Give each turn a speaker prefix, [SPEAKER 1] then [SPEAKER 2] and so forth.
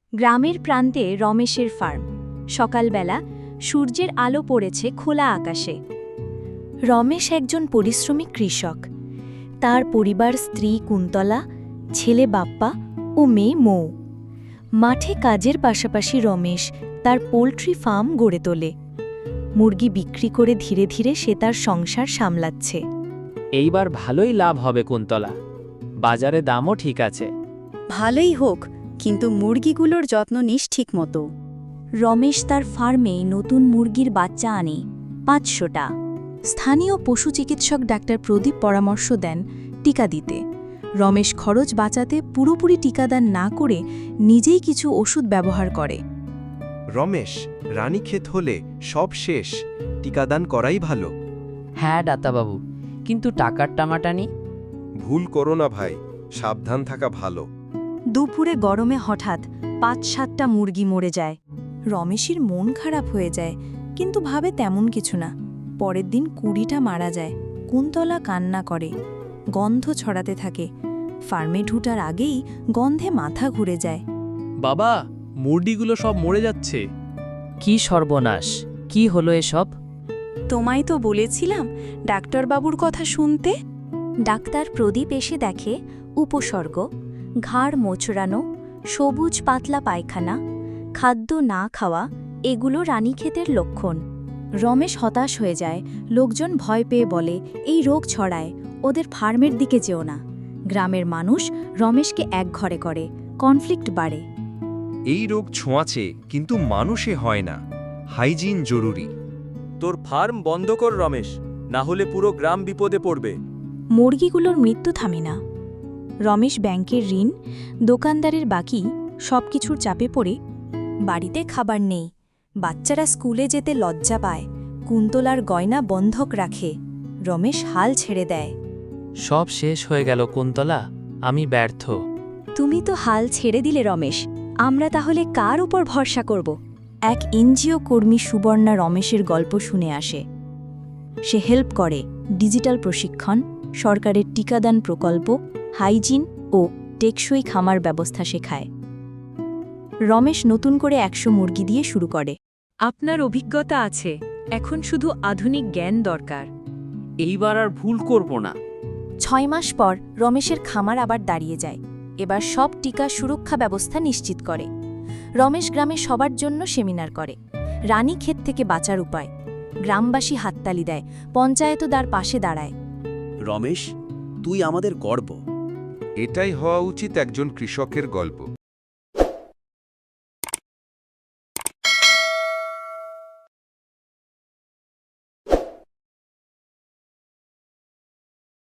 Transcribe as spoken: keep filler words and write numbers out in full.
[SPEAKER 1] গ্রামের প্রান্তে রমেশের ফার্ম। সকালবেলা সূর্যের আলো পড়েছে খোলা আকাশে। রমেশ একজন পরিশ্রমী কৃষক। তার পরিবার স্ত্রী কুন্তলা, ছেলে বাপ্পা ও মেয়ে মৌ। মাঠে কাজের পাশাপাশি রমেশ তার পোল্ট্রি ফার্ম গড়ে তোলে। মুরগি বিক্রি করে ধীরে ধীরে সে তার সংসার সামলাচ্ছে।
[SPEAKER 2] এইবার ভালোই লাভ হবে কুন্তলা, বাজারে দামও ঠিক আছে।
[SPEAKER 3] ভালোই হোক, কিন্তু মুরগিগুলোর যত্ন নিস ঠিক মতো।
[SPEAKER 1] রমেশ তার ফার্মে নতুন মুরগির বাচ্চা আনে পাঁচশোটা। স্থানীয় পশু চিকিৎসক ডাক্তার প্রদীপ পরামর্শ দেন টিকা দিতে। রমেশ খরচ বাঁচাতে পুরোপুরি টিকাদান না করে নিজেই কিছু ওষুধ ব্যবহার করে।
[SPEAKER 4] রমেশ, রানীক্ষেত হলে সব শেষ, টিকাদান করাই ভালো।
[SPEAKER 5] হ্যাঁ ডাক্তারবাবু, কিন্তু টাকার টামাটানি।
[SPEAKER 4] ভুল করো না ভাই, সাবধান থাকা ভালো।
[SPEAKER 1] দুপুরে গরমে হঠাৎ পাঁচ সাতটা মুরগি মরে যায়। রমেশের মন খারাপ হয়ে যায়, কিন্তু ভাবে তেমন কিছু না। পরের দিন কুড়িটা মারা যায়। কুন্তলা কান্না করে, গন্ধ ছড়াতে থাকে। ফার্মে ঢুটার আগেই গন্ধে মাথা ঘুরে যায়।
[SPEAKER 6] বাবা, মুরগিগুলো সব মরে যাচ্ছে।
[SPEAKER 5] কি সর্বনাশ, কি হলো এসব?
[SPEAKER 3] তোমায় তো বলেছিলাম ডাক্তারবাবুর কথা শুনতে।
[SPEAKER 1] ডাক্তার প্রদীপ এসে দেখে উপসর্গ: ঘাড় মোচড়ানো, সবুজ পাতলা পায়খানা, খাদ্য না খাওয়া, এগুলো রানীক্ষেতের লক্ষণ। রমেশ হতাশ হয়ে যায়। লোকজন ভয় পেয়ে বলে, এই রোগ ছড়ায়, ওদের ফার্মের দিকে যেও না। গ্রামের মানুষ রমেশকে একঘরে করে, কনফ্লিক্ট বাড়ে।
[SPEAKER 4] এই রোগ ছোঁয়াচে, কিন্তু মানুষে হয় না। হাইজিন জরুরি।
[SPEAKER 6] তোর ফার্ম বন্ধ কর রমেশ, না হলে পুরো গ্রাম বিপদে পড়বে।
[SPEAKER 1] মুরগিগুলোর মৃত্যু থামে না। রমেশ ব্যাংকের ঋণ, দোকানদারের বাকি, সবকিছুর চাপে পড়ে। বাড়িতে খাবার নেই, বাচ্চারা স্কুলে যেতে লজ্জা পায়। কুন্তলার গয়না বন্ধক রাখে। রমেশ হাল ছেড়ে দেয়।
[SPEAKER 2] সব শেষ হয়ে গেল কুন্তলা, আমি ব্যর্থ।
[SPEAKER 1] তুমি তো হাল ছেড়ে দিলে রমেশ, আমরা তাহলে কার উপর ভরসা করব? এক এনজিও কর্মী সুবর্ণা রমেশের গল্প শুনে আসে। সে হেল্প করে ডিজিটাল প্রশিক্ষণ, সরকারের টিকাদান প্রকল্প, হাইজিন ও টেকসই খামার ব্যবস্থা শেখায়। রমেশ নতুন করে একশো মুরগি দিয়ে শুরু করে।
[SPEAKER 7] আপনার অভিজ্ঞতা আছে, এখন শুধু আধুনিক জ্ঞান দরকার।
[SPEAKER 5] এইবার আর ভুল করব না।
[SPEAKER 1] ছয় মাস পর রমেশের খামার আবার দাঁড়িয়ে যায়। এবার সব টিকা সুরক্ষা ব্যবস্থা নিশ্চিত করে। রমেশ গ্রামে সবার জন্য সেমিনার করে, রানীক্ষেত থেকে বাঁচার উপায়। গ্রামবাসী হাততালি দেয়, পঞ্চায়েতও তার পাশে দাঁড়ায়।
[SPEAKER 8] রমেশ, তুই আমাদের গর্ব।
[SPEAKER 4] এটাই হওয়া উচিত একজন কৃষকের গল্প।